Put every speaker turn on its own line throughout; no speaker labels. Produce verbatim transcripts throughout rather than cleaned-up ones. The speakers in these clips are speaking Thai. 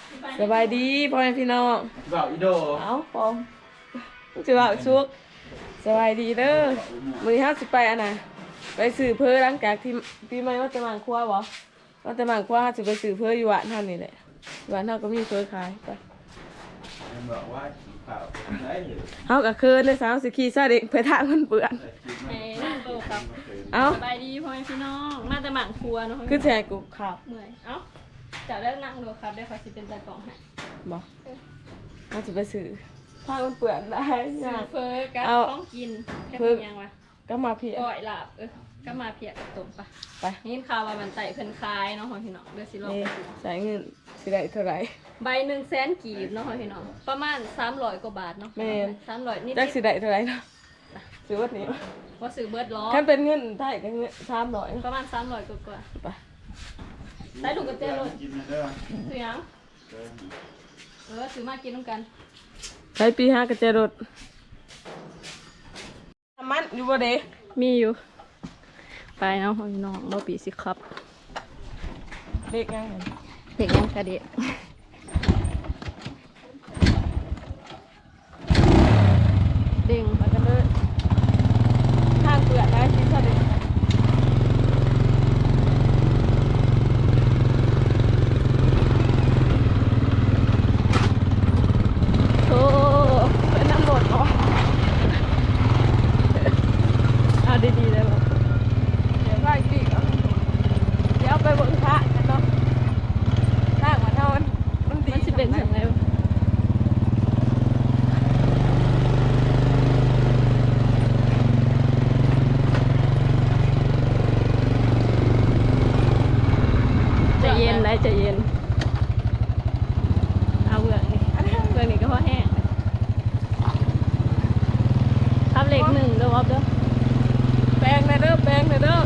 สบายดีพ่อแม่พี่น้อง
บ่าวอีโด
เอาปอมจะว่าชุกสบายดีเด้อมื้อนี้เฮาสิไปอันน่ะไปซื้อเพิ่นหลังจากที่ปีใหม่ว่าจะมาครัวบ่ว่าจะมาครัวเฮาสิไปซื้อเพิ่นอยู่บ้านเฮานี่แหละบ้านเฮาก็มีเพิ่นขายไป
บอกว่าขี่ข่าวได้หรือ
เฮาก็คืนเลยสาวสิขี่ซาเด็กไปทางมันเปื้อน
เอ้นั่งโตครับ
เอา
สบายดีพ่อแม่พี่น้องมาแต่หมั่งครัวเนาะ
คือแท้กูขับ
เมื่อยเอ้าจะเลิกนั่งดูครับได้ขอสิเป็นตากล่องให้
บ่เฮาสิไปซื้อทางมันเปื้อนได้ยาก
เฟอกับของกินแค่เพียงวะ
ก็มาเพีย
ก่อยลาบเออก็มาเพียกับตุ่มปะ
ไป
นี่ข่าวว่ามันไต่เพิ่นคลายเนาะพ่อพี่น้องเด้อสิลองไปดู
ใช้เงินสิได้เท่าไหร่
ใบหนึ่งแสนกีบเนาะพ่อพี่น้องประมาณสามร้อยกว่าบาทเนาะแม่นสามร้อยนิด
จักสิได้เท่าไหร่เนาะซื้อวัดนี้
ว่าซื้อเบิร์ดล้อ
คันเป็นเงินไทยก็เงินสามร้อย
ประมาณสามร้อยกว่า
ๆไป
ได้ลูกกระเจี๊ยบเลยซื้อยังเออซื้อมากินน้ำกัน
ใช้ปีห้ากระเจรดมันอยู่บ่เด้
มีอยู่ไปเนาะพี่น้องบ่ปีสิครับ
เด็กยัง
เด็กยังกระเด็กเด้ง
มากันเลยทางเปลือกได้สิซะเด้
โอ้เป็นน้ำหมดเหรอเอาดีๆเลยบ่
เดี๋ยวไปปีกเอาเดี๋ยวไปเบิ่งพระกันเนาะทางมันเฮามันมันดี
มันสิเป็นจังไงวะใจเย็นได้ใจเย็นเอาเบือกนี่เบือกนี่ก็พอแห้งทับเหล็กหนึ่งเด้อวอบเด้อ
แปลงในเด้อแปลงในเด้อ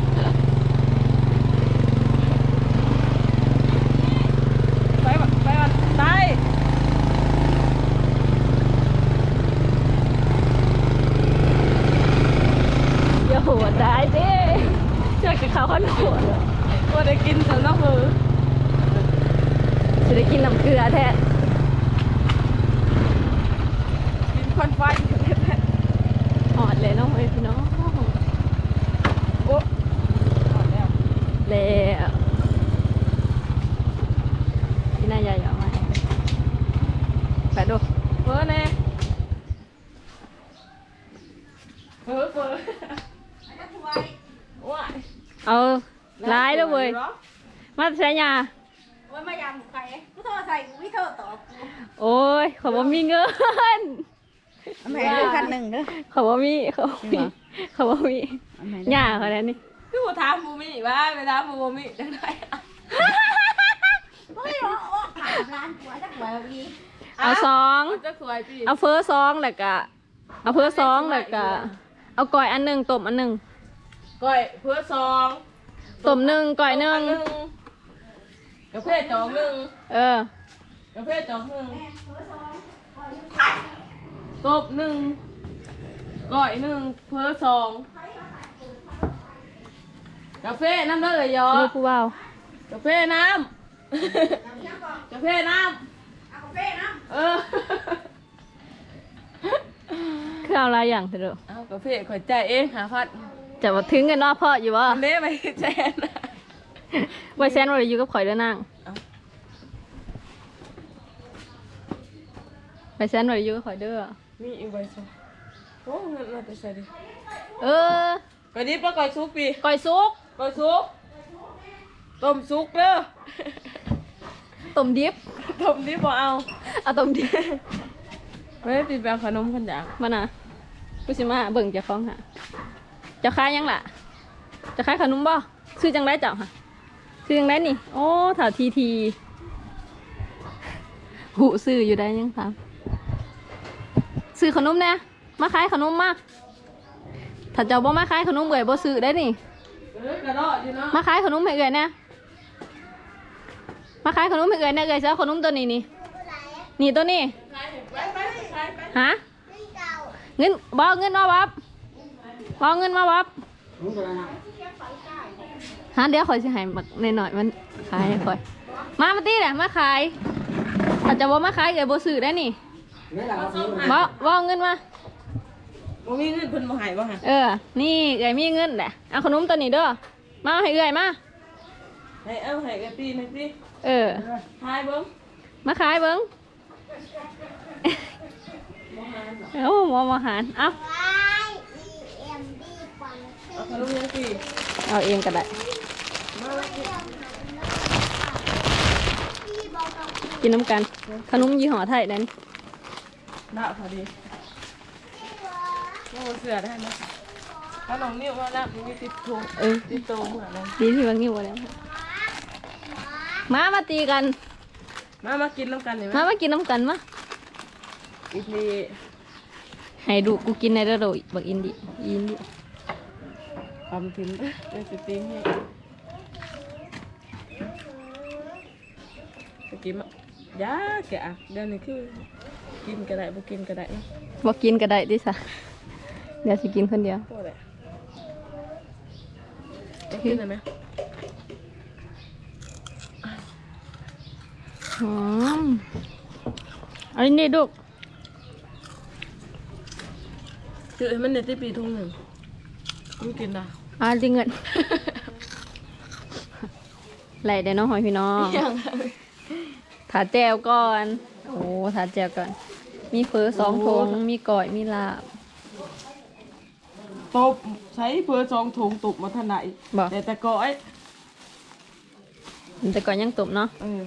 ไปบ่ไปบ่ตาย
อย่าโหดได้เด้เชือกจะเข้าข้าวโหด
บ่ได้กินสำนักมือ
จะได้กินน้ำเกลือแท้
กินควันไฟ
หอดเลยน้องเอ้ยพี่น้อง
โอ้หอดแล้ว
แล้วพี่นายใหญ่ออกมาไปดู
เฟอแน่เฟอเฟอว้าย
เอาร้ายแล้วเว้ยมาใช้ยา
โอ้ยมายำไก่กูโทรใส่กูไม่โทรตอบ
โอ้ยเขาบอกมีเงิน
แม่เรื่องคันหนึ่งเด้อ
เขาบอกมีเขาบอกมีเขาบอกมีหญ้าเขาแล้วนี่
คือบ่ถามบูมี่ว่าไปถามบูมี่จังได๋
เฮ้ยโอ้โอ้ถามร้านกูจักหน่อยพี่
เอาซอง
จะสวยพี่
เอาเฟอซองแล้วก็เอาเฟอซองแล้วก็เอาก่อยอันหนึ่งต้มอันหนึ่ง
ก้อยเพื่อซอง
ต้มหนึ่งก่อยหนึ่ง
กาแฟจอกหนึ่ง
เออก
าแฟจอกหนึ่งตบหนึ่งก้อยหนึ่งเพื่อซองกาแฟน้ำเด้อเลยยอ
ลูกผู้เบาก
าแฟน้ำกาแฟน้ำ
เอากาแฟน้
เออ
คือเอาอะไรอย่างเถอะ
เอากาแฟข่อยใจายเองหาพัด
จะมาถึงกันเนอกพ่ออยู่วะ
อันนี้ไปแจน
ไว้แซนไว้อยู่กับข่อยเด้อนั่งไว้แซนไว้อยู่กับข่อยเด้อ
มีอีกใบซะโอ้เงินมาแต่ใส่ดิ
เออ
ก่อยดิบแล้วก่อยซุกปี
ก่อยซุก
ก่อยซุกต้มซุกเด้อ
ต้มดิบ
ต้มดิบบ่เอา
เอาต้มดิบ
ไม่ได้ปิดแบบขนมขันยาง
มาน่ะกูสิมาเบิ่งเจ้าของหาเจ้าขายยังล่ะเจ้าขายขนมบ่ซื้อจังได้เจ้าค่ะซื้อจังได้นี่โอ้ถาวทีทีหูซื้ออยู่ได้ยังครับซื้อขนมแน่มาขายขนมมาถ้าเจ้าบ่มาขายขนมเอื่อยบ่ซื้อได้นี่
เออกระโดดอยู่เนาะ
มาขายขนมให้เอื่อยแน่มาขายขนมให้เอื่อยแน่เอื่อยซื้อขนมตัวนี้นี่นี่ตัวนี้
ไปไปไปไป
ฮะเงินบ่เงินมาวับบ่เงินมาวับฮะเดี๋ยวคอยสิให้บักหน่อยๆมันขายให้คอยมามาตีแหละมาขายถ้าจะว่ามาขายเอ๋ยบ่ซื้อได้นี่บ่บ่เอาเงินมา
บ่มีเงินเพิ่นบ่ให้บ่ฮะ
เออนี่เอ๋ยมีเงินแหละเอาขนมตัวนี้เด้อมาให้เอ๋ยมา
ให้เอาให้กะปีหนึงสิ
เออ
ทายเบิ่ง
มาขายเบิ้งโอ้หมอมาหารเอา
เอาขนมยังสิ
เอาเองก็ได้
มาสิ
กินน้ำกันขนมยี่ห้อไทยนั่น
ดาวพอดีโอ้เสือได้นะขนมนิ้วมาแล้วมีติดถุง
เออ
ติดโตเหมือนนั้น
ดีที่ว่างิ้วแล้วมามาตีกัน
มามากินน้ำกันเห็นไหม
มามากินน้ำกันมา
อีที
ให้ดูกูกินในระดับบักอินดิอินดิ
ความถึงเดี๋ยวจะติ้งให้จะกินมะยาแกะเดี๋ยวนี้คือกินก็ได้บ่กินก็ได้นะ
บอกกินก็ได้ดิสะเดี๋ยวสิกินคนเดียว
โตได้จะกินได้ไหม
อืมเอันนี้ดู
คือให้มันในที่ปีทุ่งหนึ่งไม่กินนะ
อ่าดิเงิน ไหลเดี๋ยวน้องหอยพี่น้อง
ยัง
ถาแจวก่อน โอ้ถาแจวก่อน มีเฟอสองทงมีก่อย มีลาบ
ตบใช้เพื่อซองถุงตุกมาถนัด
บอก
แต่แต่ก้อย
แต่ก่อนยังตุบเนาะ
เออ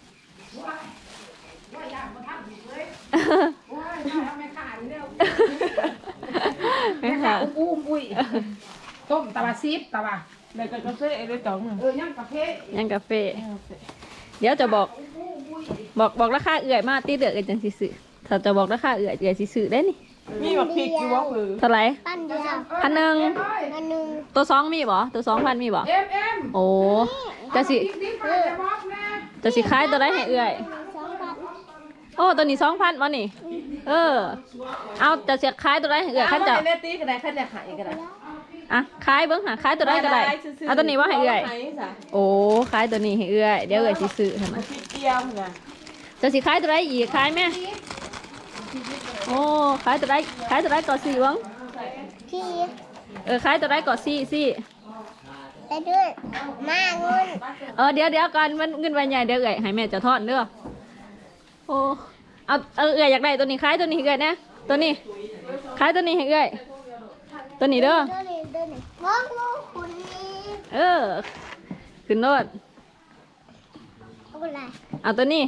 ไม่ค่ะ
อุ้มอุ้ยต้มตะบะซีบตะบะ
แล้วก็กาแฟไอ้ด้วยจังหนึ่ง
เออย่างกาแฟ
ยังกาแฟ เดี๋ยวจะบอก บอกบอกราคาเอื่อยมาตีเดือดกันจังสิซื้อถ้าจะบอกราคาเอื่อยเอื่อยสิซื้อได้นี่
มีแบบพริกอยู่ว่าคือ
เท่าไหร่
ปั้นเดียว
พันหนึ่ง
อันหนึ่ง
ตัวสองมีบ่ตัวสองพันมีบ่
เอ็มเอ็ม
โอ้จะสิ
ดิ้งไปเลยบอกแม่
จะสิขายตัวได้ให้เอื่อย
สองพัน
โอ้ตัวนี้สองพันวะนี่ เออ เอาจะเสียขายตัวได้ให้เอื่อย
เอา
ขั้น
มา
จะ
ให้เนตีก็ได้ขั้นจะขายก็ได้
อ่ะขายเบิ้งหาขายตัวได้ก็ได้เอาตัวนี้ว่าให้เอื่อย
าให้จ้ะ
โอ้ขายตัวนี้ให้เอื่อยเดี๋ยวเอื่อยสิซื้อให้มัน
พริกเกี๊ยวนะ
จะสิขายตัวได้อีกขายไหมโอ้ขายตัวได้ขายตัวได้ก่อนสี่วัง
พี่
เออขายตัวได้ก่อนสี่สี่
ไปด้วยมาเงิน
เออเดี๋ยวเดี๋ยวก่อนมันเงินใบใหญ่เดี๋ยวเอื่อยให้แม่จะทอดเด้อโอ้เอาเออเอื่อยอยากได้ตัวนี้ขายตัวนี้ให้เอื่อยนะตัวนี้ขายตัวนี้ให้เอื่อยตัวนี้เด้อ
เดินเลยเดินเลยมองลูกคุณนี่
เออขึ้นรถ
เอาอะไร
เอาตัวนี้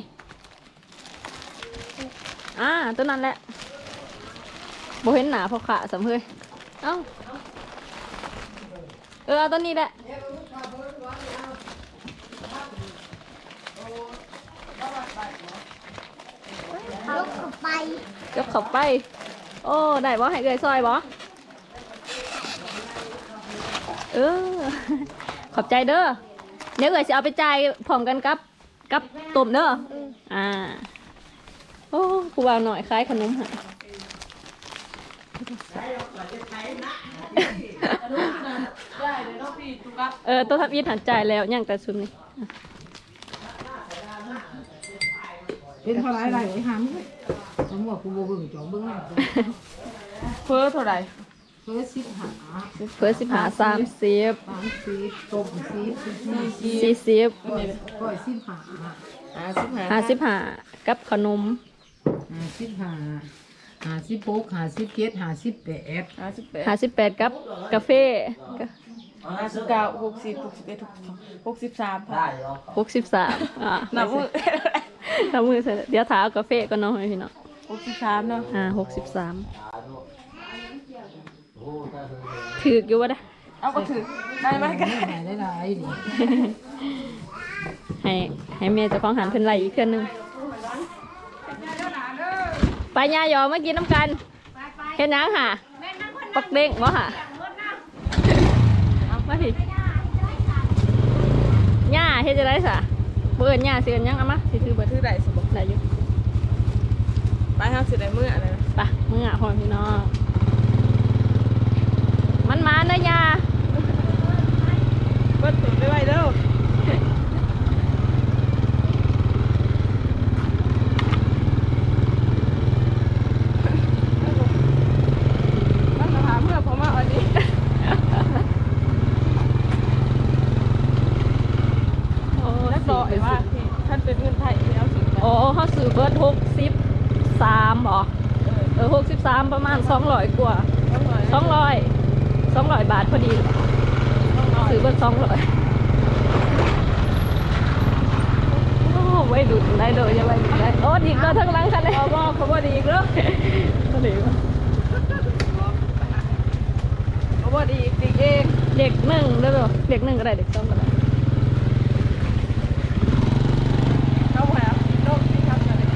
อ่าตัวนั้นแหละโบเห็นหนาพอขาสำเฮยเอ้าเออเอาตัวนี้แหละ
ลูกเอาไป
ยกเข้าไป โอ้ได้บ่ให้เกยซอยบ่เออ ขอบใจเด้อเดี๋ยวเกยจะเอาไปจ่ายพร้อมกันกับกับตุ่มเด้ออ่าโอ้กูว่าหน่อยคล้ายขนมหะ
ได้เดี๋ยวน้องพี่ตุ๊กตา
เออตัวทับยีนหันจ่ายแล้วย่างแต่ซุมนี่
เป็นเท่าไรไรไอ้หามผมบอกกูโบเบิ่งจ่อเบิ่งแล้ว
เพื่อเท่าไหร่
เพื่อสิบหา
เพื่อสิบหาสามสิบ
สามสิบต้มสิบสี่สิบ
สี่สิบ
ก้อยสิบหา
ห้าสิบห้า
ห้าสิบห้ากับขนม
ห้าสิบหาห้าสิบหกห้าสิบเจ็ดห้าสิบแปด
ห้าสิบแปด
ห้าสิบแปดกับกาแฟ
ห้าสิบเก้าหกสิบหกสิบเอ็ดหกสิบสามค่ะ
หกสิบสามอ่า
นับมือ
นับมือเสร็จเดี๋ยวถาเอากาแฟก็น้องให้พี่น้อง
หกสิบสามเนาะ
อ่าหกสิบสามถืออยู่วะนะ
เอาก็ถือได้ไหมกัน
ได้ได้ได้ดิ
ให้ให้เมียเจะคล้าของหันเพิ่นไหลอีกเทื่อนึงไปย่ายอมากินน้ำกันเห็นยังค่ะปักเด้งวะค่ะเอามาผิดย่าเฮ็ดจะได้สะเบิร์นย่าเสือนยังเอามาสิถือเบิร์
ถือได้สมบูรณ์
ได้อยู่
ไปห้าสิบได้มืออะไรนะ
ไปมึงอ่ะพ่อพี่น้องมันมาเนอะย่า
เปิดตัวได้ไวเด้อ
อ๋อเขาซื้อเบิร์ดหกสิบสามบ่เออหกสิบสามประมาณสองร้อยกว่าสองร้อยสองร้อยบาทพอดีซื้อเบิร์ดสองร้อยโอ้ไว้ดุได้เลยจะไว้ดุได้โอ้ดีก็ทั้งหลังคันเลยอ๋อบอกเขาบอกดีอีกแล้วก็ดีเขาบอกดีดีเองเด็กหนึ่งได้หรอเด็กหนึ่งก็ได้เด็กสองก็ได้เข้าไปอ่ะโลกที่ทำอะไร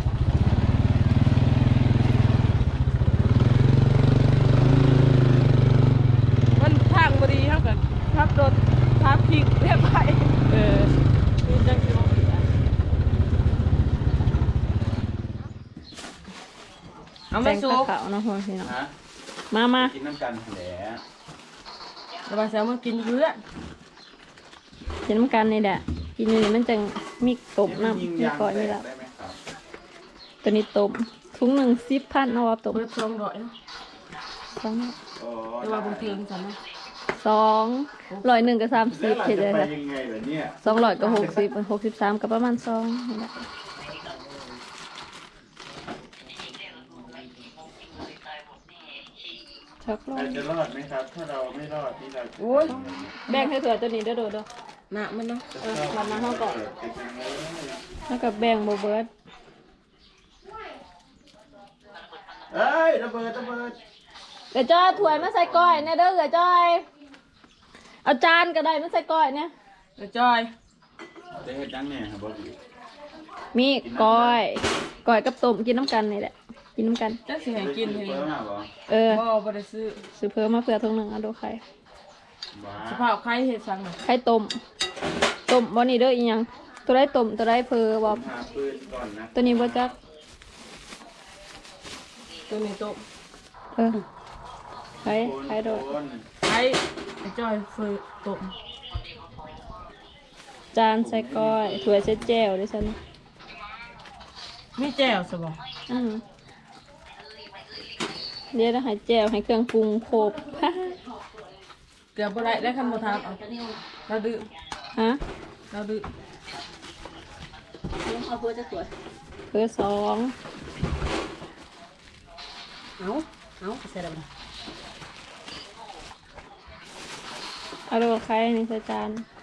มันทางบดีเท่ากันทับรถทับพิกเรียบไปเออมีจังสิว่าเอามาสูบเขาเนาะพ่อพี่น้อง
ฮะ
มามา
กินน้ำกันแหละ
แล้วมาแซวมากินเพื่อน
กินน้ำกันนี่แหละกินอยู่นี่มันจังมีตบน้ำมีก้อยมีละ
ได้ไหมครับ
ตัวนี้ตบถุงหนึ่งสิบพันเอาว่าตบ
เปิดซองร้อยนะ
สอง
โอ้
แต่ว่าบางทีมันสั่นนะ
สองร้อยหนึ่งกับสามสิบ
แล้ว
เห็น
เรา
เลย
จะไป
ค่ะ
ยังไงเหรอเนี่ย
สองร้อยกับหกสิบหกสิบสามกับประมาณสองนี่แหละชักล
เรา
ง
จะรอดไหมครับ ถ้าเราไม่รอดที่เราจะ
โอ้ย
แบ่งให้เผื่อตัวนี้เด้อเด้อเด้อ
หนักมันเนาะ
เออวันนั้นเขาก็
เกิดเป็นยังไง
แล้วก็แบ่งโบเบิร์ด
เอ้ยระเบิดระเบิด
เดี๋ยวจ้อยถ้วยมาใส่ก้อยเนี่ยเด้อเดี๋ยวจ้อยเอาจานก็ได้มาใส่ก้อยเนี่ย
เดี๋ยวจอย
จะเห็ดยังเนี่ยครับบอส
มีก้อยก้อยกับต้มกินน้ำกันนี่แหละกินน้ำกัน
จักสิให้กินให้
เพิ่มมาบ่
เออ
บ่บ่ได้ซื้อ
ซื้อเพิ่มมาเผื่อทงหนึ่งเอาดูไข่
ว้า
สภาพใครเฮ็ดสั่งน่ะ
ไข่ต้มต้มบ่นี่เด้ออีหยังตัวได้ต้มตัวได้เพอบ่
หาปืนก่อนนะ
ตัวนี้บ่จัก
ตัวนี้โต๊ะ
เออไข่ไข่โดด
คน
ไอ้ไอ้จอยเฟยโต๊ะ
จานใส่ก้อยถ้วยใส่แจ่วด้วยซั่น
มีแจ่วซะบ่
อือเดี๋ยวจะให้แจ่วให้เครื่องปรุงครบ
เกือบบ่ได้ได้คันบ่ทานเอาเราดื้อ
ฮะ
เราดื้อ
เอาเพื่อจะสวยเพื่อสองเอาเอาใส่แล้วเอาดูไข่ในใส่จาน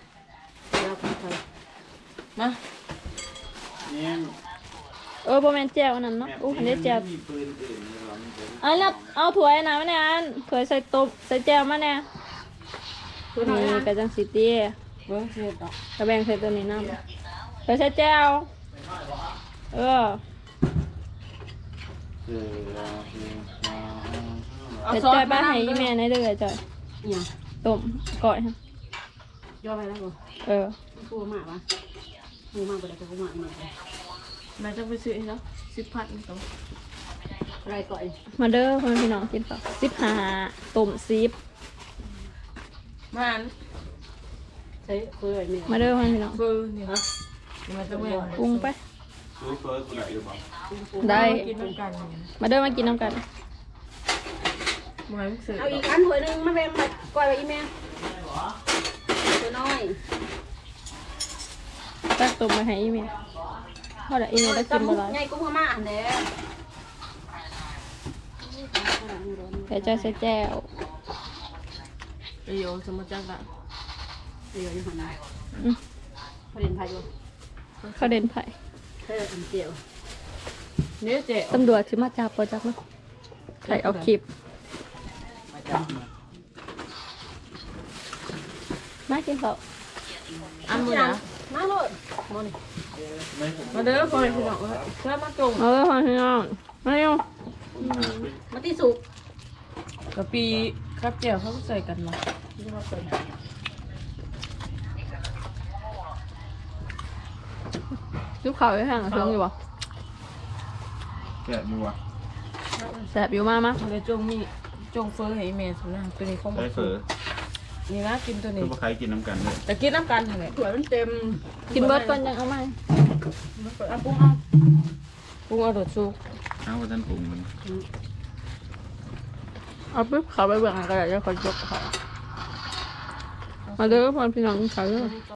มา
เนี่ย
เออโบแมนแจ่วอันนั้นเนาะอู้อันนี้แจ่ว
มีปืนอื่นในร้านนี้เลย
อันนี้เอาถ้วยนะมาเนี่ยอันถ้วยใส่ต้มใส่แจ่วมาเนี่ยนี่กระจังสีเตี้ย
เบิ่งเสร็จอ่ะ
กระแบงใส่ตัวนี้น้ำใส่ใส่แจ่วเออ
เออเราคือมา
เอา
เดี๋ยว
ซอ
จ
ส
อย
มา
บ้านให้
ให้
อีแม่ในเดือจอย
เนี่ย
ต้มก่อยฮะ
ย่อไปแล้วบ่
เออ
พูดมากวะพูดมากไปแล้วพูดมากมาก
แม่จะไปซื้อให้เนาะสิบพันนี่ต้อง
อะไรก่อน
มาเด้อพ่อพี่น้องกินข้าวสิบห้าต้มสิบ
มาอัน
ใช้เพื่อนเนี่ย
มาเด้อพ่อพี่น้อง
เฟอนี่ฮะนี่มันจะแม่ง
ปรุงไป
ซื้อเฟิร์สกูไหนหรือเปล่า
ได้
กินน้ำกันนี่
มาเด้อมากินน้ำกัน
บ่ให้มันซื้อ
เอาอีกอันถ้วยหนึงมาแบ่งมาก้อยไปอีแม่ตัวน้อย
ตักต้มมาให้อีเมลพอละอีเมลได้กินบ่ไร
ใหญ่กุ้งพม่าอันเด้อ
เดี๋ยวจะใส่แจ่ว
ไอ้โยสมมุติจังละ
เดี๋ยวอยู่หันหน้า
อืม
พอเด่นไทยอยู่
เขาเด่นไผ่
เธออันเจียว
เนี่ยเจ๊
ตำรวจชิมาจับปอจับเนาะใส่เอาคลิป
มาจับ
มากินข้าว
อันมื้อนะ
มาโลดมานี่
ไม่ผม
มาเด้อพ่อพี่น้องเอ้ยเชิญมาจง
เอาเลยพ่อพี่น้องมาเร็ว
มาที่สุก
กะปีครับแจ่วเขาใส่กันมา
ยุบเข่าไว้ข้างเชิงอยู่บ่
แกะดูอ่ะ
แสบอยู่มากมั้ย
เลยจงมีจงเฟอให้แม่สุนะตัวนี้ของ
ใช้เฟิร์ส
นี่นะกินตัว
คื
นี้
อว่าใครกินน้ำกันเลย
แต่กินน้ำกันหั่นแหละ
ถ้วยมันเต็ม
กินเบิร์ดก่อนยังเอาไหม
เอาปรุงเอาปรุงเอาโดดซุก
เอาว่าท่านปรุงมัน
เอาปุ๊บเขาไปเบื่อกันก็ได้จะคอยยกเขามาเด้อพ่อพี่น้องกินข้าวเด้อ